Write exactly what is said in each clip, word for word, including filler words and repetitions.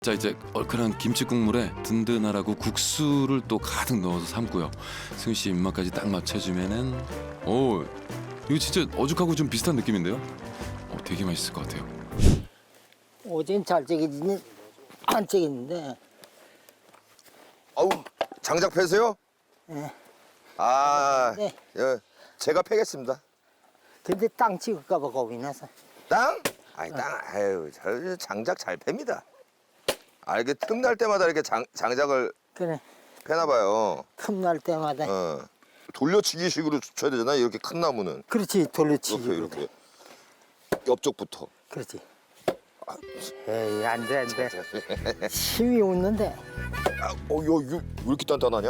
자, 이제 얼큰한 김치 국물에 든든하라고 국수를 또 가득 넣어서 삶고요. 승희 씨 입맛까지 딱 맞춰주면은 오, 이거 진짜 어죽하고 좀 비슷한 느낌인데요? 어, 되게 맛있을 것 같아요. 어제는 잘 찌개지니 안 찌겠는데. 아우, 장작 패세요? 예. 아, 네. 예, 제가 패겠습니다. 근데 땅 찍을까 봐 겁이 나서. 땅? 아니 땅, 아유, 저 장작 잘 팹니다. 아, 이렇게 틈날 때마다 이렇게 장, 장작을 그래. 패나봐요. 틈날 때마다. 어. 돌려치기식으로 쳐야 되잖아, 이렇게 큰 나무는. 그렇지, 돌려치기. 이렇게, 이렇게. 옆쪽부터. 그렇지. 에이, 안 돼, 안 돼. 힘이 없는데. 아, 어, 야, 이거 왜 이렇게 단단하냐?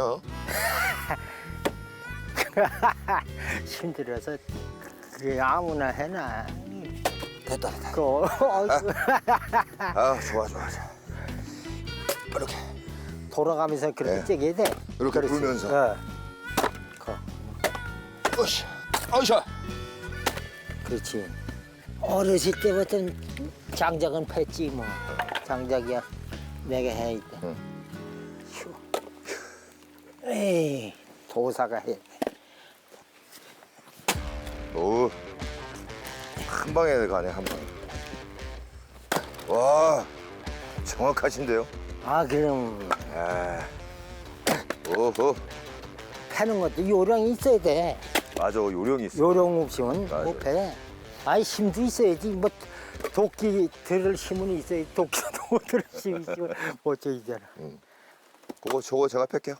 힘들어서 그게 아무나 해나. 됐다, 됐다. 그, 어이구. 아, 좋아, 좋아, 좋아. 이렇게. 돌아가면서 그렇게 네. 찌게 돼. 이렇게 그렇지. 불면서. 어. 그, 으쌰, 으쌰. 그렇지. 어렸을 때부터는 장작은 팼지 뭐. 장작이야. 내가 해 있대. 응. 휴. 에이, 도사가 해. 오, 한 방에 가네, 한 방에. 와, 정확하신데요? 아, 그럼 아, 오호, 패는 것도 요령이 있어야 돼. 맞아, 요령이 있어. 요령 없이는 맞아요. 못 패. 아이, 힘도 있어야지. 뭐 도끼 들을 힘은 있어야지. 도끼도 들을 힘이 있으면 못 찌잖아. 그거 저거 제가 팰게요.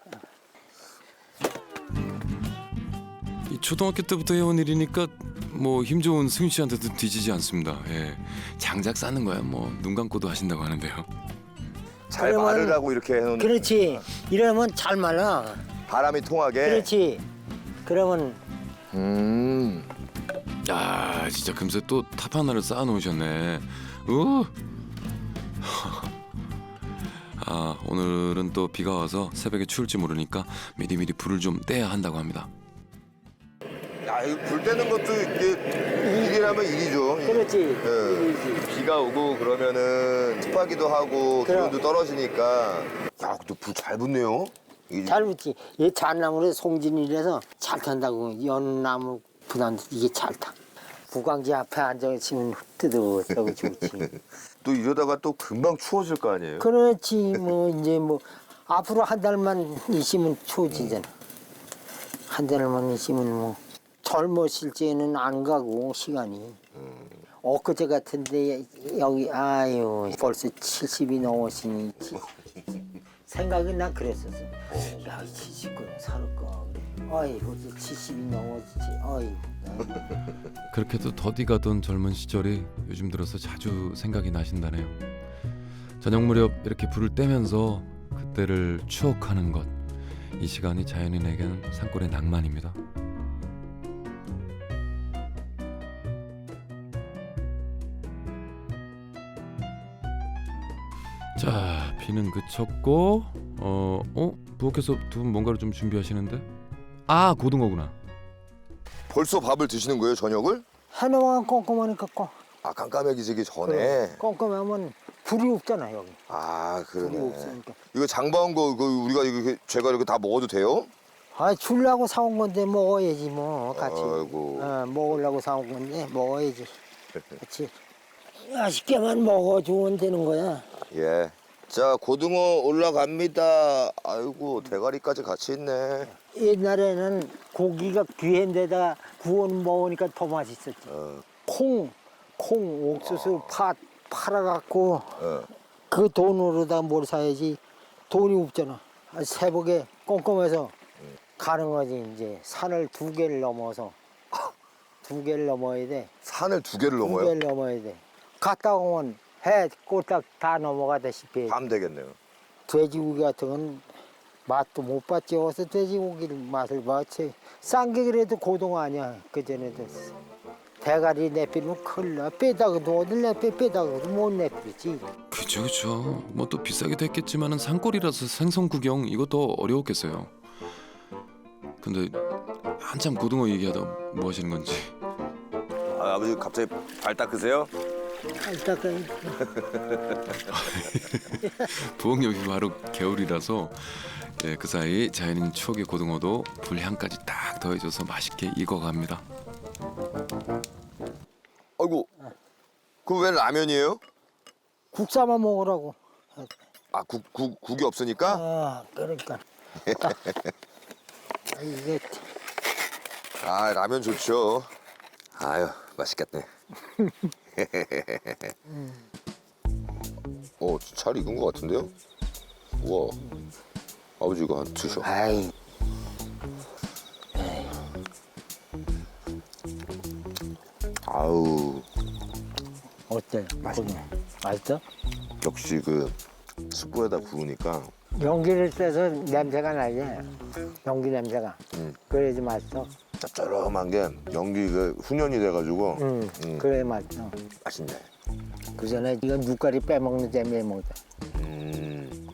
이 초등학교 때부터 해온 일이니까 뭐 힘 좋은 승희 씨한테도 뒤지지 않습니다. 예, 장작 쌓는 거야 뭐 눈 감고도 하신다고 하는데요. 잘 그러면- 마르라고 이렇게 해놓는. 그렇지. 이러면 잘 말라. 바람이 통하게. 그렇지. 그러면 음. 야, 진짜 금세 또 탑 하나를 쌓아 놓으셨네. 우. 아, 오늘은 또 비가 와서 새벽에 추울지 모르니까 미리미리 불을 좀 떼야 한다고 합니다. 야, 이거 불 때는 것도 이게 일이라면 일이죠. 그렇지. 예. 일이지. 비가 오고 그러면은 습하기도 하고 그럼. 기온도 떨어지니까. 야, 또 불 잘 붙네요. 이게 잘 붙지. 얘 잣나무로 송진이라서 잘 탄다고. 연나무 부담도 이게 잘 타. 구강지 앞에 앉아있으면 뜨뜻하고 좋지. 또 이러다가 또 금방 추워질 거 아니에요? 그렇지. 뭐 이제 뭐 앞으로 한 달만 있으면 추워지잖아. 한 달만 있으면 뭐 젊었을 때는 안 가고 시간이. 엊그제 같은데 여기 아유 벌써 칠십이 넘었으니 생각이 난 그랬었어. 야, 칠십구나 살을까 그래. 아이 벌써 칠십이 넘었지. 아이. 그렇게도 더디 가던 젊은 시절이 요즘 들어서 자주 생각이 나신다네요. 저녁 무렵 이렇게 불을 떼면서 그때를 추억하는 것. 이 시간이 자연인에게는 산골의 낭만입니다. 자, 비는 그쳤고 어, 어? 부엌에서 두 분 뭔가를 좀 준비하시는데? 아, 고등어구나. 벌써 밥을 드시는 거예요, 저녁을? 해놓으면 꼼꼼하니까 꼼. 아, 깜깜해지기 전에. 꼼꼼하면 불이 없잖아 여기. 아, 불이 그러네. 없으니까. 이거 장바온 거, 그 우리가 이거 제가 이렇게 다 먹어도 돼요? 아, 주려고 사온 건데 먹어야지 뭐 같이. 아이고. 어, 먹으려고 사온 건데 먹어야지. 같이. 맛있게만 먹어주면 되는 거야. 예. 자, 고등어 올라갑니다. 아이고, 대가리까지 같이 있네. 옛날에는 고기가 귀한 데다가 구워 먹으니까 더 맛있었지. 어, 콩, 콩, 옥수수, 팥 팔아갖고 어. 그 돈으로다 뭘 사야지. 돈이 없잖아. 아, 새벽에 꼼꼼해서 가는 거지 이제. 산을 두 개를 넘어서 두 개를 넘어야 돼. 산을 두 개를 두 넘어요? 개를 넘어야 돼. 갔다 오면 해 꼬딱 다 넘어가다시피 해. 밤 되겠네요. 돼지고기 같은 건 맛도 못 봤지. 어서 돼지고기를 맛을 봤지. 싼 게 그래도 고등어 아니야. 그전에도 대가리 내피면 큰일 나. 빼다가도 어딜 내빼 빼다가도 못 내피지. 그죠, 그죠. 뭐 또 비싸기도 했겠지만은 산골이라서 생선 구경 이것도 어려웠겠어요. 근데 한참 고등어 얘기하다 뭐 하시는 건지. 아, 아버지 갑자기 발 닦으세요? 이따가 부엌 여기 바로 겨울이라서 예, 그 사이 자연인 추억의 고등어도 불향까지 딱 더해줘서 맛있게 익어갑니다. 아이고, 그 왜 라면이에요? 국 싸만 먹으라고. 아, 국, 국, 국이 없으니까? 아, 그러니까. 아, 이게 아, 라면 좋죠. 아유, 맛있겠네. 어, 잘 익은 것 같은데요? 우와. 아버지 이거 한 드셔. 아이. 아우, 어때? 맛있네. 맛있어? 역시 그 숯불에다 구우니까 연기를 떼서 냄새가 나지. 연기 냄새가. 음. 그래야지 맛있어. 짭짤한 게 연기 그 훈연이 돼가지고 응. 음. 그래 맛있어. 맛있네. 그 전에 이건 눈깔이 빼먹는 재미에 먹자. 음.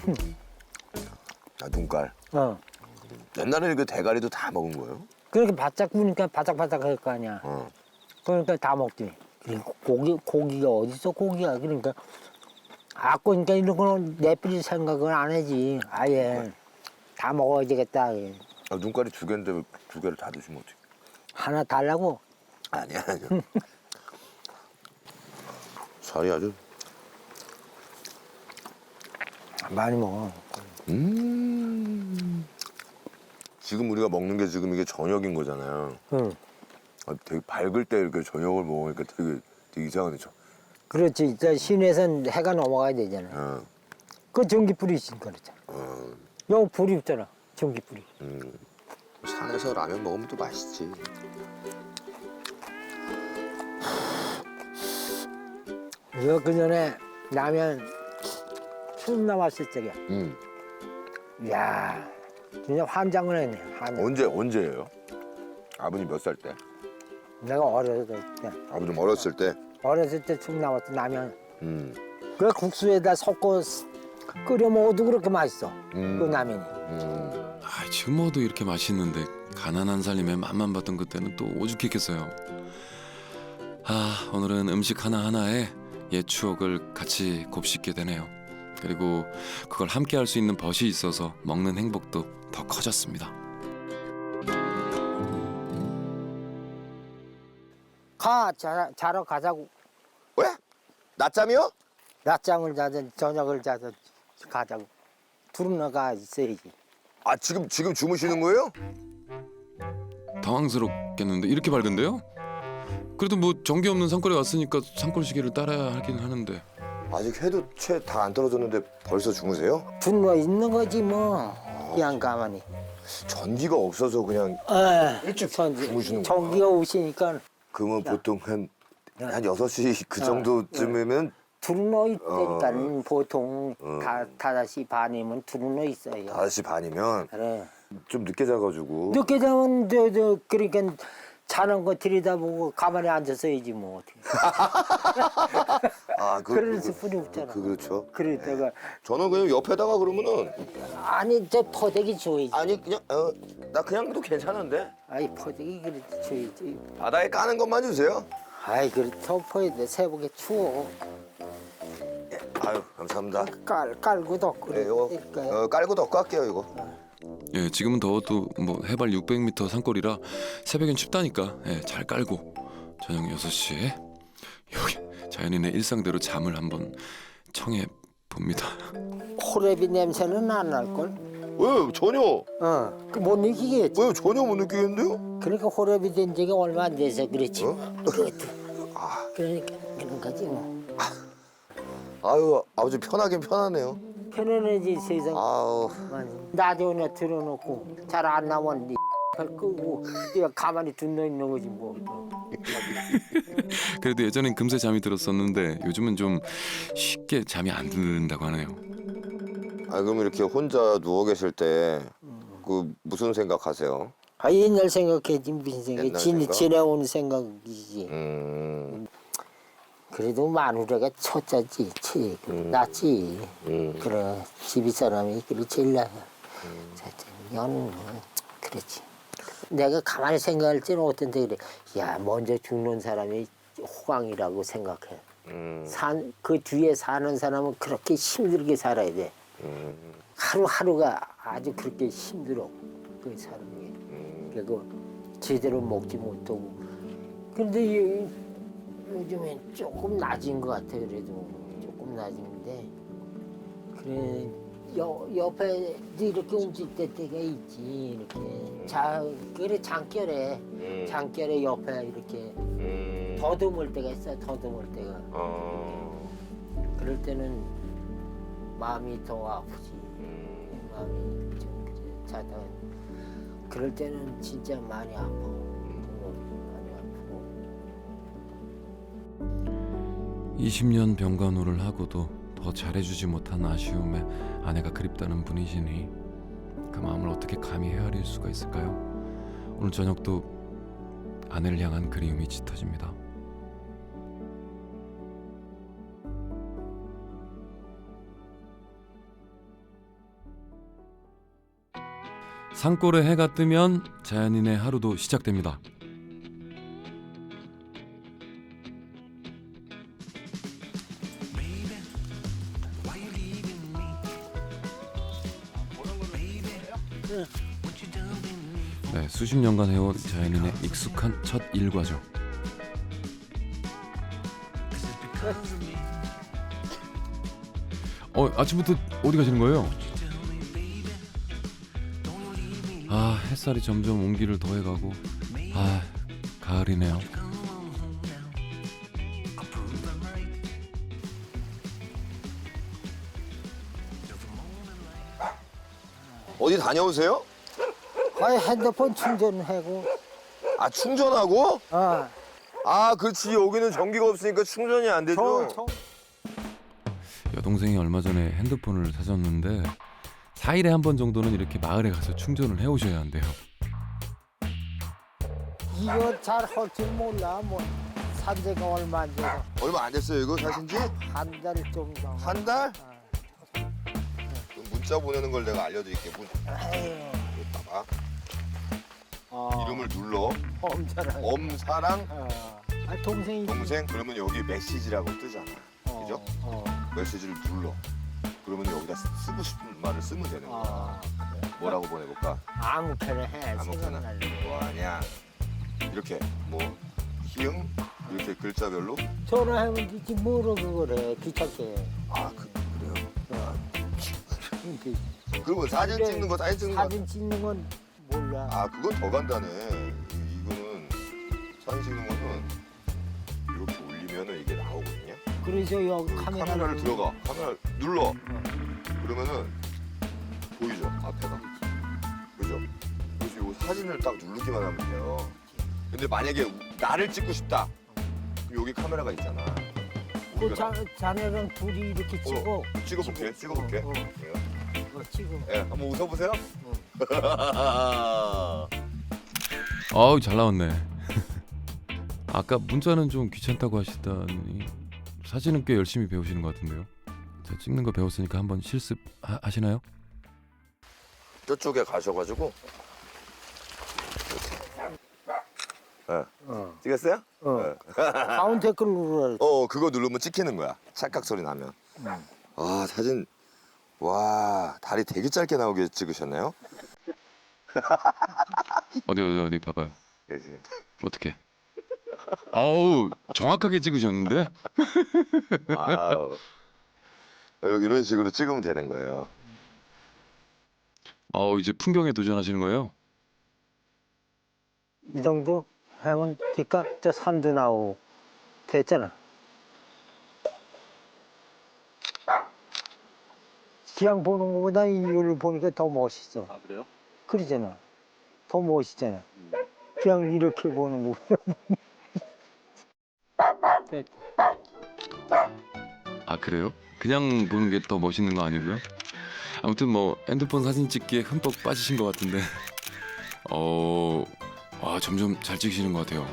아, 눈깔. 어. 옛날에는 그 대가리도 다 먹은 거예요? 그렇게 바짝 구우니까 바삭바삭 할 거 아니야. 어. 그러니까 다 먹지. 그리고 고기, 고기가 어딨어, 고기가. 그러니까. 아, 그러니까 이런 거는 내버릴 생각은 안 하지. 아예. 다 먹어야 되겠다. 예. 아, 눈깔이 두 개인데 왜 두 개를 다 드시면 어떡해? 하나 달라고? 아니야, 아니야. 살이 아주. 많이 먹어. 음. 지금 우리가 먹는 게 지금 이게 저녁인 거잖아요. 응. 아, 되게 밝을 때 이렇게 저녁을 먹으니까 되게, 되게 이상하네. 저. 그렇지. 이제 시내에선 해가 넘어가야 되잖아. 어, 그 전기불이 있으니까 그렇잖아. 어, 여기 불이 없잖아. 전기불이. 음. 산에서 라면 먹으면 또 맛있지. 이거 그 전에 라면 처음 나왔을 적이야. 음. 이야, 진짜 환장을 했네. 환장. 언제 언제예요? 아버님 몇 살 때? 내가 어렸을 때, 아버님 어렸을 때. 어렸을 때 처음 나왔던 라면. 음. 그 국수에다 섞어 끓여 먹어도 그렇게 맛있어. 음. 그 라면이. 음. 아, 지금 먹어도 이렇게 맛있는데 가난한 살림에 맛만 봤던 그때는 또 오죽했겠어요. 아, 오늘은 음식 하나하나에 옛 추억을 같이 곱씹게 되네요. 그리고 그걸 함께 할 수 있는 벗이 있어서 먹는 행복도 더 커졌습니다. 가, 자, 자러 가자고. 왜? 낮잠이요? 낮잠을 자든 저녁을 자든 가자고. 둘은 나가 있어야지. 아, 지금 지금 주무시는 거예요? 당황스럽겠는데 이렇게 밝은데요? 그래도 뭐 전기 없는 산골에 왔으니까 산골 시계를 따라야 하긴 하는데. 아직 해도 채 다 안 떨어졌는데 벌써 주무세요? 둘러 있는 거지 뭐. 그냥 가만히. 전기가 없어서 그냥 에, 일찍 전기, 주무시는구나. 전기가 오시니까 그러면 보통 한, 한 여섯 시 그 어, 정도쯤이면 두루너 있다니까 어. 보통 어. 다 다섯 시 반이면 두루너 있어요. 다섯 시 반이면 그래. 좀 늦게 자가지고 늦게 자면 저, 저 그러니까 자는 거 들여다보고 가만히 앉아서야지 뭐 어떻게. 아, 그, 그럴 그, 수뿐이 없잖아. 그, 그렇죠. 그러다가 저는 그냥 옆에다가 그러면은 아니 저 퍼대기 줘야지. 아니 그냥 어, 나 그냥 도 괜찮은데 아이 퍼대기 그래 줘야지. 바다에 까는 것만 주세요. 아이 그래 덮어야 돼. 새벽에 추워. 아유 감사합니다. 깔 깔고 덮고 네, 이거 그러니까. 어, 깔고 덮고 할게요 이거. 예, 지금은 더워도 뭐 해발 육백 미터 산골이라 새벽엔 춥다니까 예, 잘 깔고 저녁 여섯 시에 여기 자연인의 일상대로 잠을 한번 청해 봅니다. 호래비 냄새는 안 날 걸. 왜 전혀 어, 그 못 느끼겠지. 왜 전혀 못 느끼겠는데요? 그러니까 호래비 된 지가 얼마 안 돼서 그렇지. 어? 그것도. 아, 그러니까 그런 거지 뭐. 아유 아버지 편하긴 편하네요. 편안해지 세상. 아우 라디오나 틀어놓고 잘 안 나면 니 끄고 그냥 가만히 듣는 있는 거지 뭐. 그래도 예전엔 금세 잠이 들었었는데 요즘은 좀 쉽게 잠이 안 든다고 하네요. 아 그럼 이렇게 혼자 누워 계실 때 그 무슨 생각하세요? 아 옛날 생각해지 무슨 생각? 옛날 지, 생각? 지내온 생각이지. 음, 그래도 마누라가 첫째지, 치, 음. 낫지. 음. 그래 집이 사람이 그래 제일 나야. 첫째, 너는 그렇지. 내가 가만히 생각할 때는 어떤데 그래. 야 먼저 죽는 사람이 호강이라고 생각해. 음. 산, 그 뒤에 사는 사람은 그렇게 힘들게 살아야 돼. 음. 하루하루가 아주 그렇게 힘들어. 그 사는 게. 음. 그리고 제대로 먹지 못하고. 근데 이- 요즘엔 조금 낮은 것 같아. 그래도 조금 낮은데. 그래 여, 옆에 이렇게 움직일 때 때가 있지. 이렇게 자 그래 장결에 음. 장결에 옆에 이렇게 음. 더듬을 때가 있어. 더듬을 때가. 어. 그럴 때는 마음이 더 아프지. 음. 마음이 좀 그래 자다가 그럴 때는 진짜 많이 아파. 많이 아프고. 이십 년 병간호를 하고도 더 잘해주지 못한 아쉬움에 아내가 그립다는 분이시니 그 마음을 어떻게 감히 헤아릴 수가 있을까요? 오늘 저녁도 아내를 향한 그리움이 짙어집니다. 산골에 해가 뜨면 자연인의 하루도 시작됩니다. 네, 수십 년간 해온 자연인의 익숙한 첫 일과죠. 어, 아침부터 어디 가시는 거예요? 아, 햇살이 점점 온기를 더해가고 아, 가을이네요. 어디 다녀오세요? 거의 핸드폰 충전하고. 아 충전하고? 어. 아 그렇지 여기는 전기가 없으니까 충전이 안 되죠. 저, 저, 여동생이 얼마 전에 핸드폰을 사줬는데 사 일에 한 번 정도는 이렇게 마을에 가서 충전을 해오셔야 한대요. 이거 잘 할 줄 몰라. 뭐 산지가 얼마 안 돼서 얼마 안 됐어요 이거 사신지? 한 달 정도. 한 달? 어. 그럼 문자 보내는 걸 내가 알려드릴게. 문 에휴. 봐봐. 어. 이름을 눌러. 엄살하게. 엄사랑 어. 아 동생이. 동생 그러면 여기 메시지라고 뜨잖아. 어, 그죠? 어. 메시지를 눌러. 그러면 여기다 쓰- 쓰고 싶은 말을 쓰면 되는 거야. 어. 뭐라고 보내볼까? 아무렇게나 해. 아무거나. 생각나는 거. 뭐하냐? 이렇게 뭐 희응 이렇게 글자별로. 전화하면 되지 뭐로 그걸 해. 귀찮게. 아 그, 그래요. 이렇게 그러면 사진 근데 찍는 거 사진 찍는 거. 사진 찍는 건 몰라. 아 그건 더 간단해. 이- 이거는 사진 찍는 거는 이렇게 올리면은 이게 나오거든요. 그래서 여기 그 카메라를 카메라를 들어가. 카메라 눌러. 어. 그러면은 보이죠 앞에가. 그죠? 그래서 이 사진을 딱 누르기만 하면 돼요. 근데 만약에 나를 찍고 싶다. 그럼 여기 카메라가 있잖아. 그 우리가 자, 자네랑 둘이 이렇게 찍고. 어, 찍어볼게. 찍어볼게. 어, 어. 예, 이거 찍어. 예, 한번 웃어보세요. 아우, 잘 나왔네. 아까 문자는 좀 귀찮다고 하시다니 사진은 꽤 열심히 배우시는 것 같은데요. 자, 찍는 거 배웠으니까 한번 실습 하, 하시나요? 저쪽에 가셔가지고. 예, 어. 찍었어요? 어. 예. 가운데 걸 눌러. 어, 그거 누르면 찍히는 거야. 찰칵 소리 나면. 음. 아, 사진. 와, 다리 되게 짧게 나오게 찍으셨네요. 어디 어디 어디 봐봐요. 예, 예. 어떻게? 아우, 정확하게 찍으셨는데? 아우. 이런 식으로 찍으면 되는 거예요. 아우, 이제 풍경에 도전하시는 거예요? 이 정도 하면 될까? 저 산도 나오고 됐잖아. 그냥 보는 것보다 이걸 보니까 더 멋있어. 아 그래요? 그러잖아. 더 멋있잖아. 그냥 이렇게 보는 거보다. 됐. 아, 그래요? 그냥 보는 게 더 멋있는 거 아니고요? 아무튼 뭐 핸드폰 사진 찍기에 흠뻑 빠지신 것 같은데 어... 와, 점점 잘 찍으시는 것 같아요.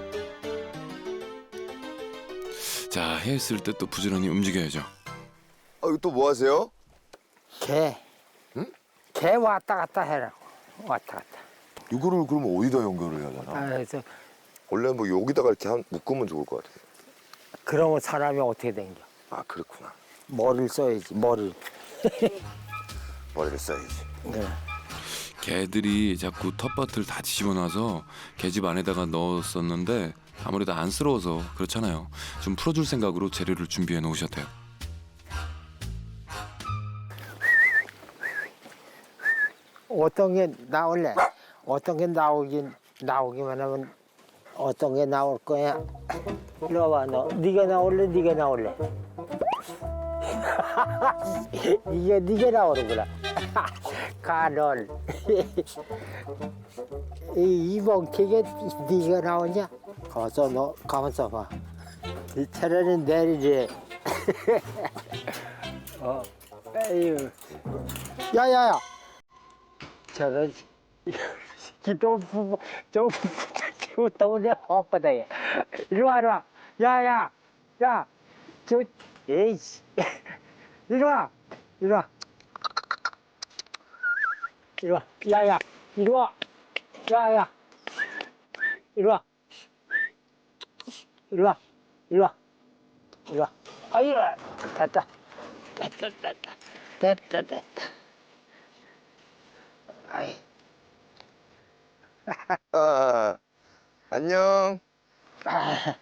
자, 헤어있을 때 또 부지런히 움직여야죠. 아, 이거 또 뭐 하세요? 개. 응? 개 왔다 갔다 해라. 왔다 갔다. 이거를 그러면 어디다 연결을 해야 되나? 아, 그래서 원래 뭐 여기다가 이렇게 한 묶으면 좋을 것 같아요. 그러면 사람이 어떻게 된겨? 아 그렇구나. 머리를 써야지 머리를. 머리를 써야지. 네. 개들이 자꾸 텃밭을 다 뒤집어놔서 개집 안에다가 넣었었는데 아무래도 안쓰러워서 그렇잖아요. 좀 풀어줄 생각으로 재료를 준비해 놓으셨대요. 어떤 게 나올래? 어떤 게 나오긴 나오기만 하면 어떤 게 나올 거야? 이리 와봐 너. 네가 나올래? 네가 나올래? 이게 네가 나오는구나. 가널. 이 이봉택에 네가 나오냐? 가서 너 가만있어 봐. 이 차라리 내리지. 어. 에휴. 야야야. 저런 기도 좀 키웠다 오냐 헛바다에. 이리 와 이리 와. 야야. 야. 저 에이씨. 이리 와. 이리 와. 이리 와. 야야. 이리 와. 야야. 이리 와. 이리 와. 이리 와. 이리 와. 아 이리 와. 됐다. 됐다 됐다. 됐다 됐다. 아이. 아 안녕. 아.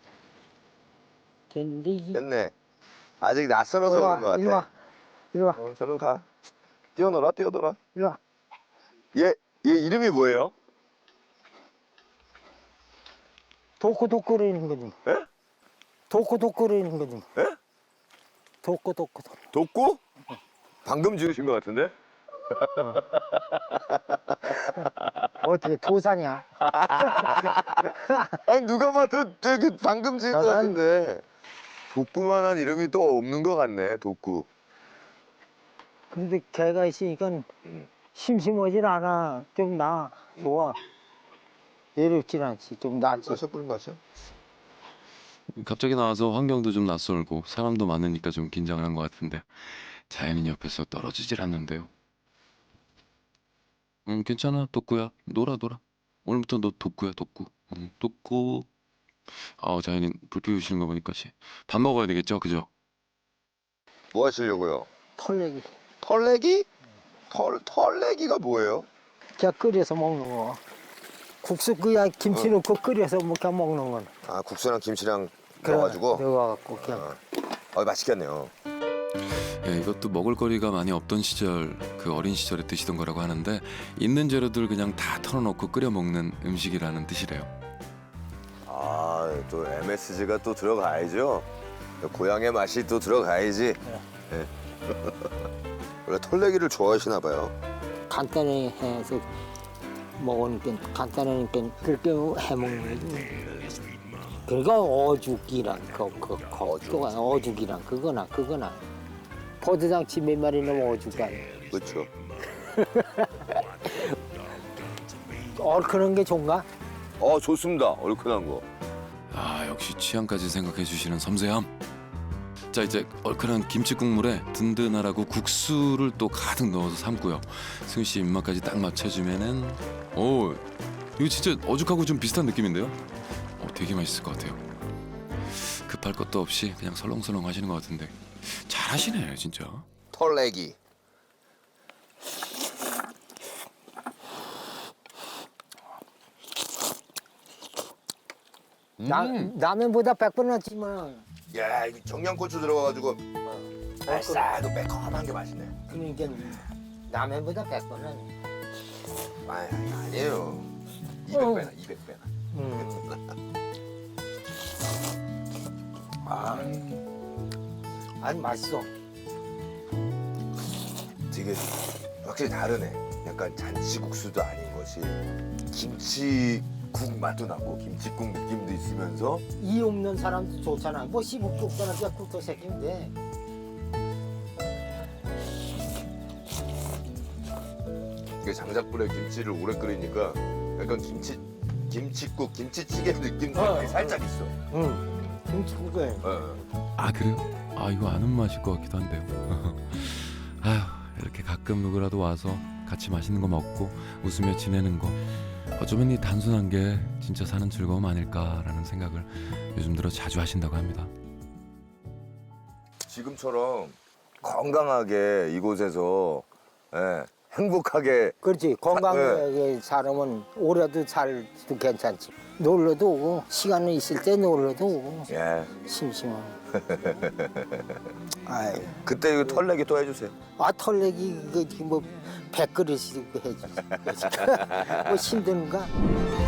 된디. 됐네. 아직 낯설어서 이리 그런 것 와. 같아. 이리 와. 이리 와. 어, 저는 가. 뛰어놀아 뛰어놀아. 이리 와. 얘, 얘 이름이 뭐예요? 도코도코거리는 거지. 에? 도코도코거리는 거지. 에? 도코도코. 독구? 방금 지으신 것 같은데? 어떻게 도사냐? 아니 누가 봐도 되게 방금 지은 것 난- 같은데. 독구만한 이름이 또 없는 것 같네. 독구. 근데 걔가 있으니까 심심하진 않아. 좀 나. 좋아. 외롭진 않지. 좀 낫지. 마셔 물 마셔. 갑자기 나와서 환경도 좀 낯설고 사람도 많으니까 좀 긴장을 한 것 같은데 자연인 옆에서 떨어지질 않는데요. 응 괜찮아 독구야 놀아 놀아. 오늘부터 너 독구야 독구. 응 독구. 아 자연인 불 피우시는 거 보니까 씨. 밥 먹어야 되겠죠 그죠? 뭐 하시려고요? 털내기. 털내기? 털 털내기가 뭐예요? 그냥 끓여서 먹는 거. 국수 그냥 김치 넣고 끓여서 뭐 그냥 먹는 건. 아 국수랑 김치랑 그래, 넣어가지고. 넣어갖고 그냥. 어, 맛있겠네요. 예, 이것도 먹을거리가 많이 없던 시절 그 어린 시절에 드시던 거라고 하는데 있는 재료들 그냥 다 털어놓고 끓여 먹는 음식이라는 뜻이래요. 아 또 엠에스지가 또 들어가야죠. 고향의 맛이 또 들어가야지. 예. 원래 털내기를 좋아하시나 봐요. 간단히 해서 먹으니까 간단하니까 그렇게 해 먹는 거지. 그러니까 어죽이랑 그, 그, 그, 어죽. 그거 어죽이랑 그거나 그거나 버드장치 몇 마리 넣으면 어죽 아니야. 그렇죠. 얼큰한 게 좋은가? 어 좋습니다. 얼큰한 거. 아 역시 취향까지 생각해 주시는 섬세함. 자 이제 얼큰한 김치 국물에 든든하라고 국수를 또 가득 넣어서 삶고요. 승희 씨 입맛까지 딱 맞춰주면은 오 이거 진짜 어죽하고 좀 비슷한 느낌인데요? 어, 되게 맛있을 것 같아요. 급할 것도 없이 그냥 설렁설렁 하시는 것 같은데 잘하시네 진짜. 털내기. 나, 라면보다 백 번 낫지만 야 이거 청양고추 들어가가지고 알싸하고 매콤한 게 맛있네. 그러니까 라면보다 백 번 낫지. 아 아니에요. 이백 배나 이백 배나. 음. 아 아니 맛있어. 되게 확실히 다르네. 약간 잔치국수도 아닌 것이 김치국 맛도 나고 김치국 느낌도 있으면서 이 없는 사람도 좋잖아. 뭐 시국 국수나 그냥 국수 새끼면 돼. 이게 장작불에 김치를 오래 끓이니까 약간 김치 김치국 김치찌개 느낌도 어, 어. 살짝 있어. 응. 김치국에. 어. 아 그래요? 아 이거 아는 맛일 것 같기도 한데요. 아휴 이렇게 가끔 누구라도 와서 같이 맛있는 거 먹고 웃으며 지내는 거 어쩌면 이 단순한 게 진짜 사는 즐거움 아닐까라는 생각을 요즘 들어 자주 하신다고 합니다. 지금처럼 건강하게 이곳에서 예, 행복하게 그렇지. 건강하게 네. 살으면 오래도 살도 괜찮지. 놀러도 오고 시간이 있을 때 놀러도 오고 예. 심심하고. 아이, 그때 이거 털내기 또 해주세요. 아 털내기 그뭐 백그릇이고 해주지. 뭐 힘든가?